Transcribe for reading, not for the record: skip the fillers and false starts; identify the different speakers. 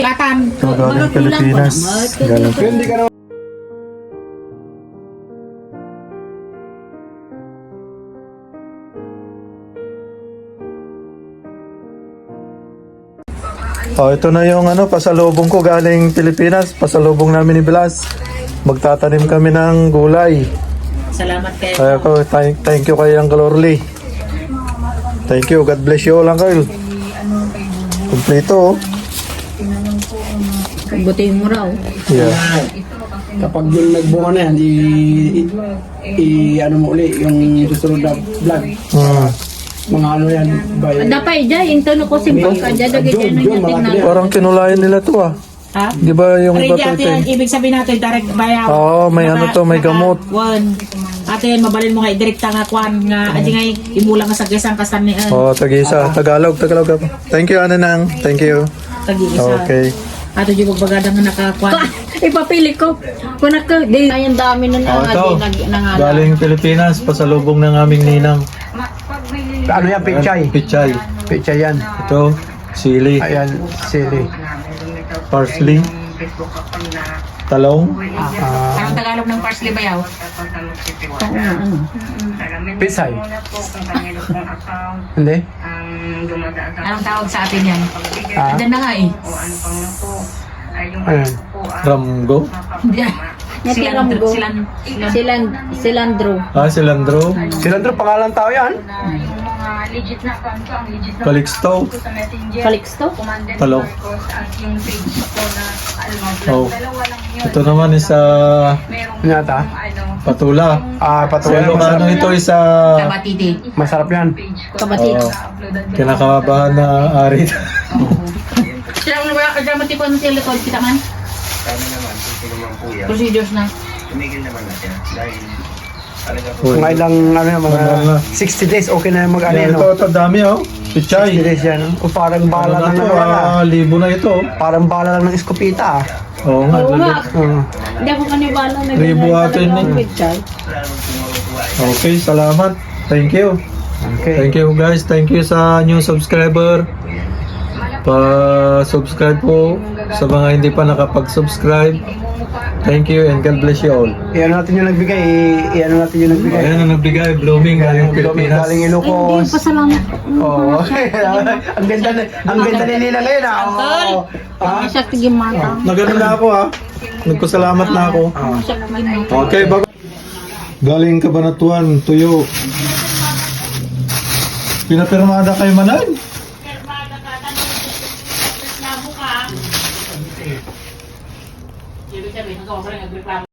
Speaker 1: Ito galing Pilipinas. Galing
Speaker 2: Hindi ka naman.
Speaker 1: Oh, ito na yung pasalubong ko galing Pilipinas. Pasalubong namin ni Blas. Magtatanim kami ng gulay.
Speaker 3: Salamat kayo.
Speaker 1: Kaya ko, thank you kay Uncle Orly. Thank you. God bless you all, Uncle. Kompleto, oh.
Speaker 3: Butihin mo raw.
Speaker 1: Yeah.
Speaker 2: Kapag yung nagbunga na yan, ano mo uli, yung susunod na vlog. Mga ano yan, by...
Speaker 3: Dapat dyan, yung tono ko simpang ka dyan, dagay dyan ng yating na.
Speaker 1: Parang kinulayan nila to, ah.
Speaker 3: Ha?
Speaker 1: Di ba yung iba
Speaker 3: Ready
Speaker 1: to?
Speaker 3: ate, ibig sabihin natin, direct bayaw.
Speaker 1: Oo, may may gamot.
Speaker 3: One. Ate, mabalin mo nga, direkta nga kwan nga, adi nga imulang nga sa gesang kasan ni
Speaker 1: Oh, tag-isa. Tagalog. Thank you, Ananang. Thank you.
Speaker 3: tag-iisa.
Speaker 1: Okay.
Speaker 3: Ato yung magbagadang nga nakakwan. Ipapili ko. Kung naka, di, ayun dami na
Speaker 1: Oh,
Speaker 3: nga,
Speaker 1: ito.
Speaker 3: nangala.
Speaker 1: Galing Pilipinas, pasalubong ng aming ninang.
Speaker 2: Ano yan, pichay?
Speaker 1: Pichay.
Speaker 2: Pichay yan.
Speaker 1: Ito, sili,
Speaker 2: Ayan, sili.
Speaker 1: parsley, talong,
Speaker 3: Anong Tagalog ng parsley bayaw?
Speaker 2: Pisay. Hindi?
Speaker 3: Anong tawag sa atin yan?
Speaker 2: Ah?
Speaker 3: Diyan na nga eh.
Speaker 2: Ayan.
Speaker 1: ramgo,
Speaker 3: Silandro.
Speaker 1: cilantro,
Speaker 2: Cilantro, pangalan tao yan.
Speaker 1: calixto,
Speaker 3: Calixto?
Speaker 1: talong. Oh. Ito naman isa
Speaker 2: Ano yata?
Speaker 1: patula.
Speaker 2: Ah,
Speaker 1: Sa
Speaker 2: patuloy.
Speaker 1: Ilocano ito isa
Speaker 3: Kabatiti.
Speaker 2: Masarap yan.
Speaker 3: Kabatiti.
Speaker 1: kinakabahan na ari.
Speaker 3: Sila mo ba? Kagamati po ang silikod kita man? Procedures na.
Speaker 2: Mga ilang, mga 60 days, okay na yung mag-ano, no?
Speaker 1: Ito dami, oh.
Speaker 2: 60
Speaker 1: Pichay.
Speaker 2: days yan, no? O parang
Speaker 1: Ano
Speaker 2: bala
Speaker 1: na
Speaker 2: lang
Speaker 1: to?
Speaker 2: ng wala.
Speaker 1: Libo na ito.
Speaker 2: Parang bala lang ng eskopita, ah.
Speaker 1: Oo nga.
Speaker 3: Oo nga.
Speaker 2: Mm.
Speaker 3: Hindi ako kanibala.
Speaker 1: Ribo atin eh. Okay, salamat. Thank you.
Speaker 2: Okay.
Speaker 1: Thank you guys. Thank you sa new subscriber. Pa-subscribe po sa mga hindi pa nakapag-subscribe. Thank you and God bless you all.
Speaker 2: Iyan natin yung nagbigay, iyan natin yung nagbigay.
Speaker 1: Ayan ang nagbigay, blooming galing Pilipinas.
Speaker 2: Galing
Speaker 3: Hindi,
Speaker 2: Ilocos.
Speaker 3: pasalamat.
Speaker 2: Oo. Ang ganda ni Nina ngayon, ah. Oo. Ah?
Speaker 3: Siya tigim mata.
Speaker 1: Nagano na ako ha. Nagpasalamat na ako.
Speaker 3: Siya tigim mata.
Speaker 1: Okay, bago. Galing Cabanatuan, tuyo. Pinapirmada kay Manan.
Speaker 3: Ibig sabihin, nagawa ko rin